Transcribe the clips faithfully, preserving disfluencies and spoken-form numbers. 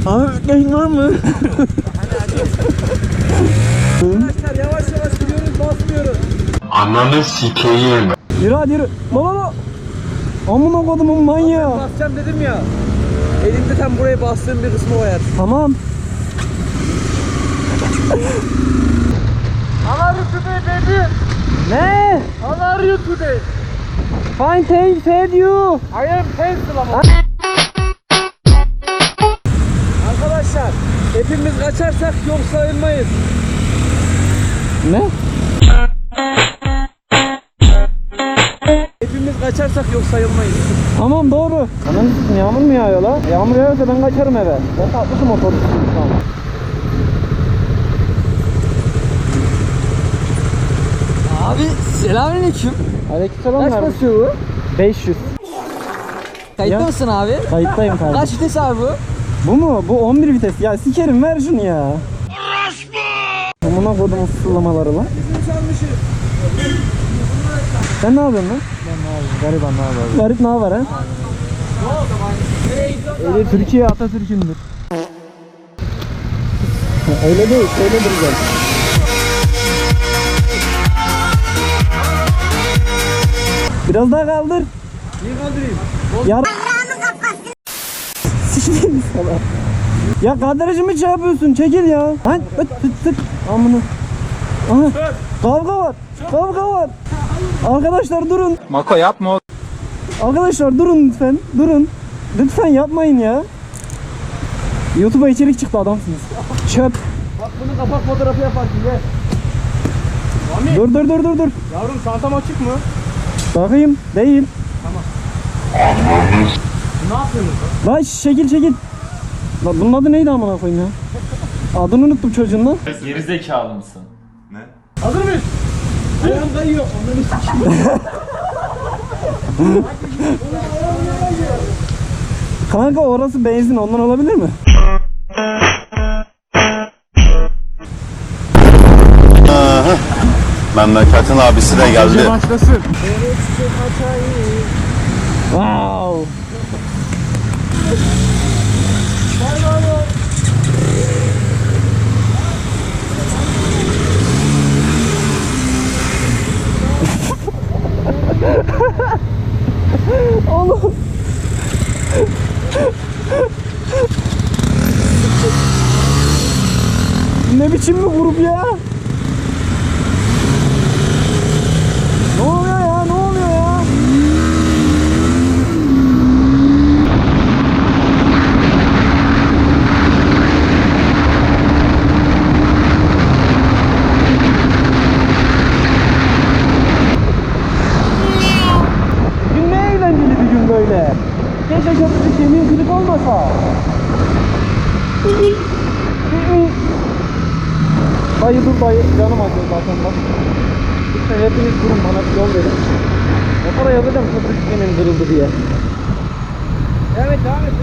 Abi bekleyin var mı? Arkadaşlar yavaş yavaş gidiyoruz, basmıyoruz. Ananı sikeyim. Yürü hadi yürü. La la la. Amına kodumun manyağı. Ben basacağım dedim ya. Elimde tam buraya bastığım bir kısmı var. Tamam. How are you today baby? Ne? How are you today? Fine thanks fed you. I am pencil ama. Arkadaşlar hepimiz kaçarsak yok sayılmayız. Ne? Hepimiz kaçarsak yok sayılmayız. Tamam doğru. Anam yağmur mu yağıyor la? Yağmur yağıyorsa ben kaçarım eve. Ben tatlısı motoru şu an. Abi selamünaleyküm. Aleykümselam. Kaç kardeşim. basıyor bu? beş yüz. Kayıtta Ya. mısın abi? Kayıttayım kardeşim. Kaç vites abi bu? Bu mu? Bu on bir vites. Ya sikerim ver şunu ya. Amına kodumun sırlamaları lan. Sen ne yapıyorsun lan? Ben ne yapayım? Gariban ne yapayım? Garip ne haber ha? Öyle Türkiye Atatürk'ündür. Öyle değil, şöyle duracağız. Biraz daha kaldır. Niye kaldırayım? Yar... Sikeyim sana. Ya kadrajımı şey yapıyorsun, çekil ya. Lan öt tık tık. Amına. Aha. Kavga var. Kavga var. Arkadaşlar durun. Mako yapma. Arkadaşlar durun lütfen. Durun. Lütfen yapmayın ya. YouTube'a içerik çıktı adamsınız. Çöp. Bak bunu kapak fotoğrafı yaparsın gel. Dur dur dur dur dur. Yavrum çantam açık mı? Bakayım. Değil. Ne yapıyorsunuz? Lan şekil şekil. Lan bunun adı neydi amına koyayım ya? Adını unuttum çocuğun lan. Gerizekalı mısın? Hazır mıyız? Ayağım kayıyor. Onları sikeyim. Kanka orası benzin ondan olabilir mi? Memleketin abisi de geldi. Başlasın. Wow. Oğlum. Ne biçim bir grup ya? Ne oluyor ya? Ne oluyor ya? Bugün ne eğlenceli bir gün böyle. Keşke köprü kemiği kırık olmasa. Dayı dur dayı, canım acıyor zaten bak. Lütfen hepiniz durun bana bir yol verin. Motora yazacağım köprü kemiğim kırıldı diye. Evet devam et.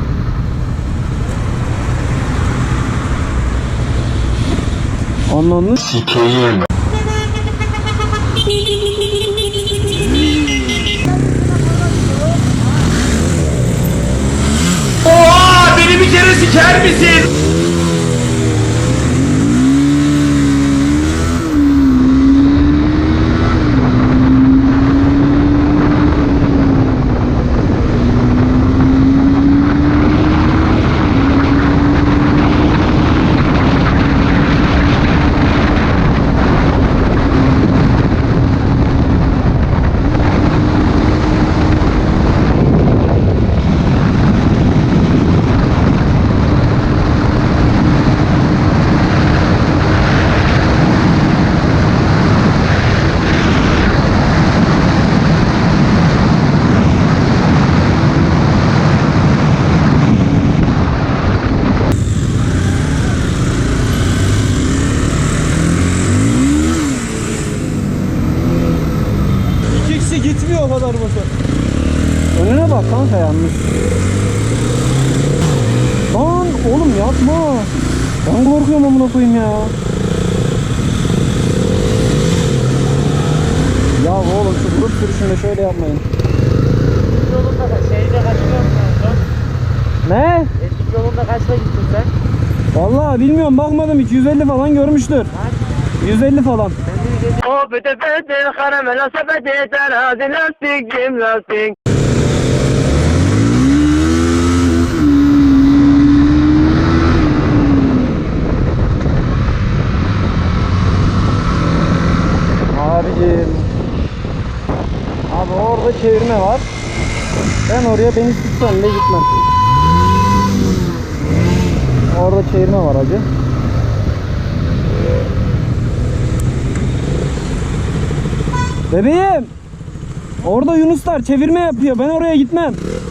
Anladın? Sikeyim. Oha! Beni bir kere siker misin? İki kişi gitmiyor o kadar motor. Önüne bak kanka yanlış. Lan oğlum yapma. Ben korkuyorum amına koyayım ya. Ya oğlum şu grup sürüşünde şöyle yapmayın. Yolunda da şeyde kaçırıyor musun? Ne? Eski yolunda Yolda kaçta gittin sen? Vallahi bilmiyorum, bakmadım hiç. yüz elli falan görmüştür. yüz elli falan. O bete bete karamela sepeti terazi lastik cim lastik. Abicim. Abi orada çevirme var. Ben oraya beni tutsan bile gitmem. Orada çevirme var hacı. Bebeğim. Orada Yunuslar çevirme yapıyor. Ben oraya gitmem.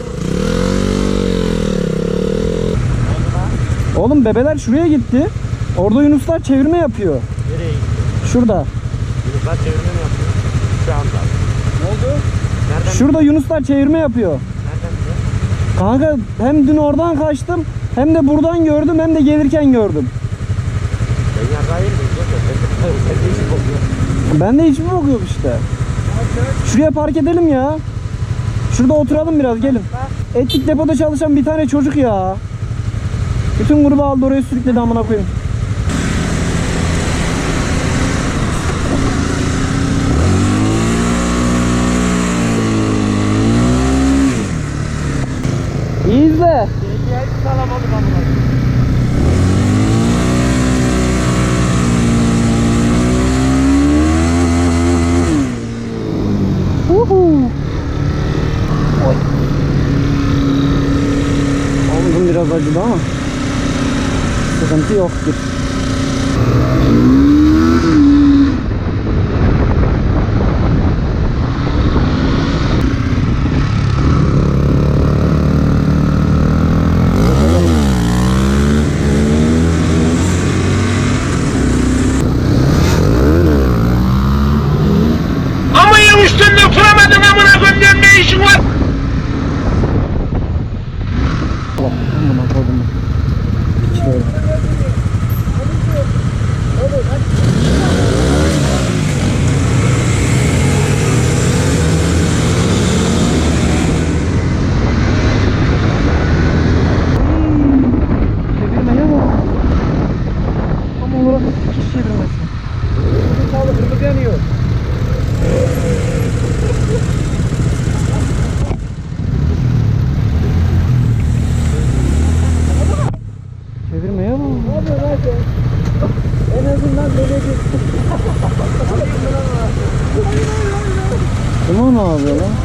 Oğlum bebeler şuraya gitti. Orada Yunuslar çevirme yapıyor. Nereye gittin? Şurada. Yunuslar çevirme mi yapıyor? Şu anda. Ne oldu? Nereden? Şurada Yunuslar çevirme yapıyor. Nereden biliyor? Kanka hem dün oradan kaçtım, hem de buradan gördüm, hem de gelirken gördüm. Ben yarrağıyım mıyım? Sen de işin kokuyor. Ben de hiçbir bok yok işte. Şuraya park edelim ya. Şurada oturalım biraz, gelin. Etlik depoda çalışan bir tane çocuk ya. Bütün grubu aldı oraya sürükledi, amına koyayım. İyi izle. Hiç alamadık amına. Uhu. Oy. Oğlum biraz acıdı ama sıkıntı yoktur. Ama yamıştın da fırlamadın amına koyayım, ne işin var? Allah amına koydum. Şöyle. Çevirmeye bak. Tam olarak hiç çevirmesi. Sağlık kırmızı yanıyor. Çevirmeye bak. Ne yapıyor lan sen? En azından böyle bir... Ama ne yapıyor lan?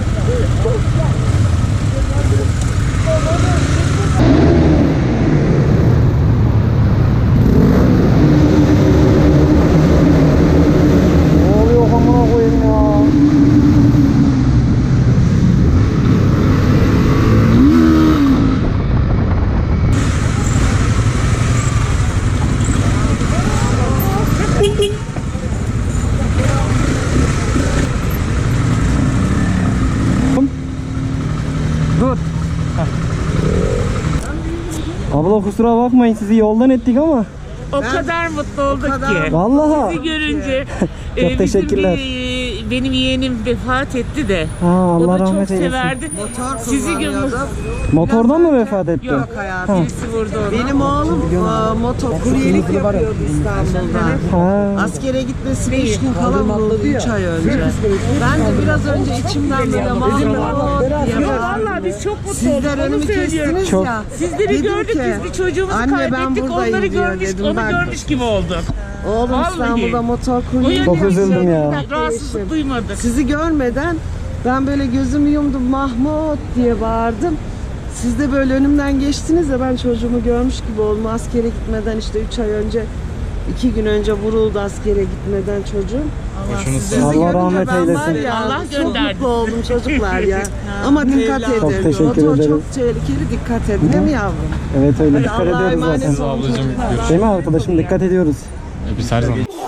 Ne oluyor amına koyayım ya? Dur. Abla kusura bakmayın, sizi yoldan ettik ama. O kadar mutlu olduk ki. Vallahi. Sizi görünce Çok e, bizim teşekkürler. bir, e, benim yeğenim vefat etti de. Ha, O Allah da çok rahmet eylesin. severdi. Sizi görmek. Motordan mı vefat etti? Yok hayatım. Birisi vurdu onu. Benim oğlum e, motokuryelik yapıyordu İstanbul'da. Ha. Askere gitmesi beş gün kala vuruldu üç ay önce. Ben de biraz önce içimden böyle mahvolt diye Yok bağırdım. vallahi biz çok mutlu Sizler olduk. Onu önümü söylüyorum. kestiniz Çok. ya. Sizleri Dedim gördük, ki, biz bir çocuğumuzu anne, ben kaybettik, buradayım onları diyor görmüş, dedim onu ben. görmüş gibi olduk. Oğlum Vallahi. İstanbul'da O motokuryelik yönden Çok üzüldüm ya. Rahatsızlık duymadık. Sizi görmeden ben böyle gözümü yumdum, Mahmut diye bağırdım. Siz de böyle önümden geçtiniz ya, ben çocuğumu görmüş gibi oldum. Askere gitmeden işte üç ay önce, iki gün önce vuruldu askere gitmeden çocuğum. Sizi Allah görünce rahmet ben var eylesin. ya, Allah çok gönderdi. mutlu oldum çocuklar ya. Ama dikkat edin. Çok teşekkür Motor ederim. çok tehlikeli, dikkat edin değil mi yavrum? Evet öyle, Hadi dikkat Allah'a ediyoruz emanet zaten. olun çocuklar. Değil mi arkadaşım, dikkat ediyoruz. Biz her zaman.